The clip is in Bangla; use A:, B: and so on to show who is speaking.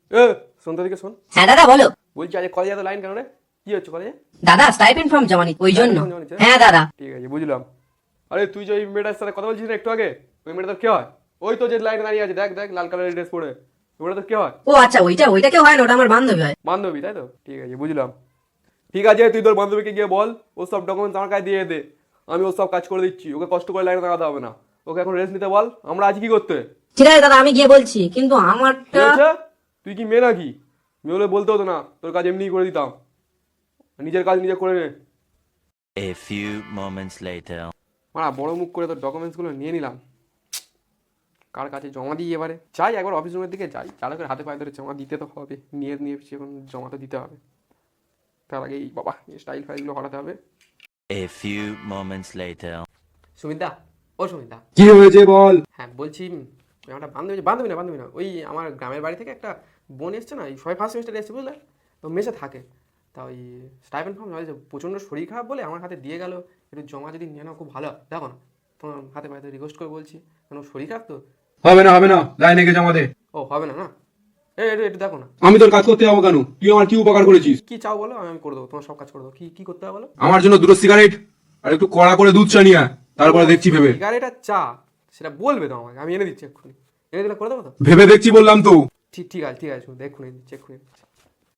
A: এ শোন তো দিকে শোন।
B: হ্যাঁ দাদা বলো।
A: বলছি আজ কলেজে এত লাইন কেন রে? কি হচ্ছে কলেজে?
B: দাদা স্টাইপেন্ড ফর্ম জমা নিতে ওই জন্য।
A: Stipend জমা নিতে?
B: হ্যাঁ দাদা।
A: ঠিক আছে বুঝলাম। আরে তুই যে ওই মেয়েটার সাথে কথা বলছিস না একটু আগে, ওই মেয়েটা তোর কে হয়? ওই তো যে লাইনে দাঁড়িয়ে আছে, দেখ দেখ লাল কালারের ড্রেস পরে, ওই মেয়েটা তোর কে হয়?
B: ও আচ্ছা, ওইটা কেউ হয় না, ওটা আমার বান্ধবী হয়।
A: বান্ধবী তাই তো, ঠিক আছে বুঝলাম। ঠিক আছে তুই তোর বান্ধবীকে গিয়ে বল ও সব ডকুমেন্টস আমার কাছে দিয়ে দে, আমি ও সব কাজ করে দিচ্ছি, ওকে কষ্ট করে লাইনে দাঁড়াতে হবে না, ওকে এখন রেস্ট নিতে বল। আমরা আজ কি করতে?
B: ঠিক আছে দাদা, আমি গিয়ে বলছি, কিন্তু
A: ঠিক
B: আমারটা।
A: আছে, তুই কি মেয়ে নাকি? মেয়ে হলে বলতে হতো না, তোর কাজ এমনিই করে দিতাম, নিজের কাজ নিজে করে নে।
C: A few moments later.
A: মারা বড় মুখ করে তোর ডকুমেন্টসগুলো নিয়ে নিলাম, কার কাছে জমা দিই এবারে? যাই একবার অফিস রুমের দিকে যাই, চালকের হাতে পায়ে ধরে জমা দিতে তো হবে, নিয়ে এখন জমা তো দিতে হবে। তার আগেই বাবা স্টাইল ফাইলগুলো হটাতে হবে।
C: A few moments later.
A: Sumita, ও সুমিতা।
D: কি হয়েছে বল।
A: হ্যাঁ বলছি, ওই আমার বান্ধবী না ওই আমার গ্রামের বাড়ি থেকে একটা বোন এসছে না, এই সবাই ফার্স্ট সেমিস্টারে এসছে বুঝলে, তো মেসে থাকে। তা ওই স্টাইপেন্ড ফর্ম প্রচণ্ড শরীর খারাপ বলে আমার হাতে দিয়ে গেল, একটু জমা যদি নিয়ে নাও খুব ভালো হয়। দেখো না তোমার হাতে পায়ে রিকোয়েস্ট করে বলছি, কারণ শরীর খারাপ তো।
D: হবে না, লাইনে গিয়ে জমা দে।
A: ও হবে না না, একটু দেখো না।
D: আমি তোর কাজ করতে যাবো কেন? তুই আমার কি উপকার করেছিস?
A: কি চাও বলো, আমি করে দেবো, তোমার সব কাজ করে দেবো। কি করতে হবে বলো?
D: আমার জন্য দুটো সিগারেট আর একটু কড়া করে দুধ চা নিয়ে আয়, তারপরে দেখছি ভেবে।
A: সিগারেট আর চা সেটা বলবে তো আমাকে, আমি এনে দিচ্ছি এক্ষুনি, এনে দিলে করে দেবো তো।
D: ভেবে দেখছি বললাম তো।
A: ঠিক আছে শুনুন, এক্ষুনি দিচ্ছি এক্ষুনি।